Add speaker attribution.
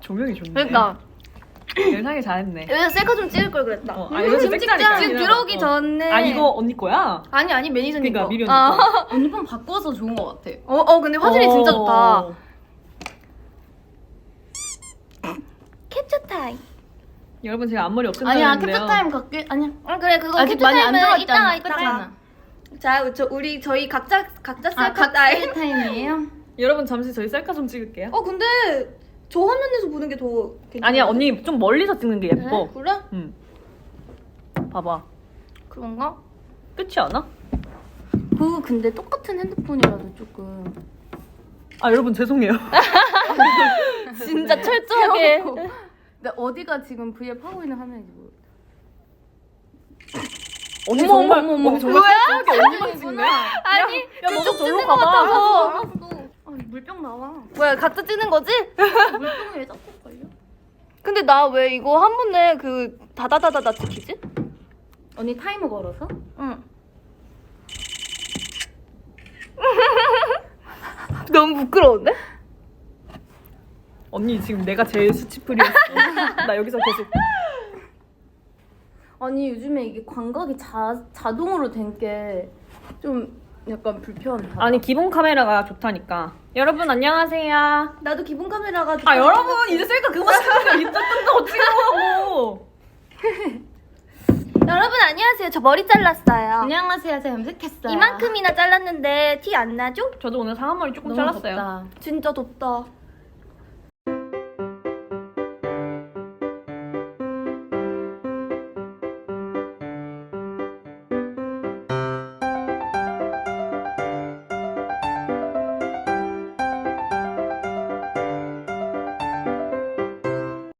Speaker 1: 조명이 좋네.
Speaker 2: 그러니까
Speaker 1: 예상이 잘했네.
Speaker 2: 여기서 셀카 좀 찍을 걸 그랬다.
Speaker 1: 여기서
Speaker 2: 지금
Speaker 1: 찍자니까.
Speaker 2: 지금 들어오기 전에.
Speaker 1: 아 이거 언니 거야?
Speaker 2: 아니 매니저님
Speaker 1: 그러니까
Speaker 2: 거.
Speaker 1: 미리 언니 거.
Speaker 3: 언니 번 바꿔서 좋은 것 같아.
Speaker 2: 근데 화질이 진짜 좋다. 캡처 타임.
Speaker 1: 여러분 제가 앞머리 없앤다고
Speaker 3: 아니야
Speaker 1: 했는데요.
Speaker 3: 캡처 타임 갖게 아니야.
Speaker 2: 그래 그거
Speaker 3: 아직
Speaker 2: 캡처
Speaker 3: 많이 안
Speaker 2: 타임은
Speaker 3: 들어갔잖아.
Speaker 2: 이따가. 자, 저희 각자 셀카
Speaker 3: 각
Speaker 2: 타임.
Speaker 3: 타임이에요?
Speaker 1: 여러분 잠시 저희 셀카 좀 찍을게요.
Speaker 2: 근데 저 화면에서 보는 게 더 괜찮아.
Speaker 1: 아니야 언니 좀 멀리서 찍는 게 예뻐.
Speaker 2: 그래?
Speaker 1: 응. 봐봐.
Speaker 2: 그런가?
Speaker 1: 끝이 않아?
Speaker 3: 그거 근데 똑같은 핸드폰이라도 조금.
Speaker 1: 아 여러분 죄송해요.
Speaker 2: 진짜 철저하게.
Speaker 3: 근데 어디가 지금 V앱 하고 있는 화면인지 모르겠다.
Speaker 1: 언니
Speaker 3: 어머,
Speaker 1: 정말
Speaker 3: 어머, 어머.
Speaker 1: 언니 정말 철저하게 언니만 찍네.
Speaker 2: 아니,
Speaker 1: 야 너도 절로
Speaker 2: 것
Speaker 1: 가봐.
Speaker 2: 같아서.
Speaker 3: 알았어. 물병 나와.
Speaker 2: 뭐야, 각자 찍는 거지?
Speaker 3: 물병이 왜 자꾸 걸려?
Speaker 2: 근데 나 왜 이거 한 번에 그 다다다다다 찍히지?
Speaker 3: 언니 타이머 걸어서?
Speaker 2: 응. 너무 부끄러운데?
Speaker 1: 언니 지금 내가 제일 수치풀이었어. 나 여기서 계속.
Speaker 3: 아니 요즘에 이게 광각이 자동으로 된 게 좀 약간 불편하다.
Speaker 1: 아니 기본 카메라가 좋다니까. 여러분 안녕하세요.
Speaker 2: 나도 기본 카메라가
Speaker 1: 아 여러분 이제 셀카 그만 찍으세요. 입장 뜬다고 찍으라고.
Speaker 2: 여러분 안녕하세요. 저 머리 잘랐어요.
Speaker 3: 안녕하세요. 제가 염색했어요.
Speaker 2: 이만큼이나 잘랐는데 티 안 나죠?
Speaker 1: 저도 오늘 상한머리 조금
Speaker 3: 너무
Speaker 1: 잘랐어요.
Speaker 3: 덥다.
Speaker 2: 진짜 덥다.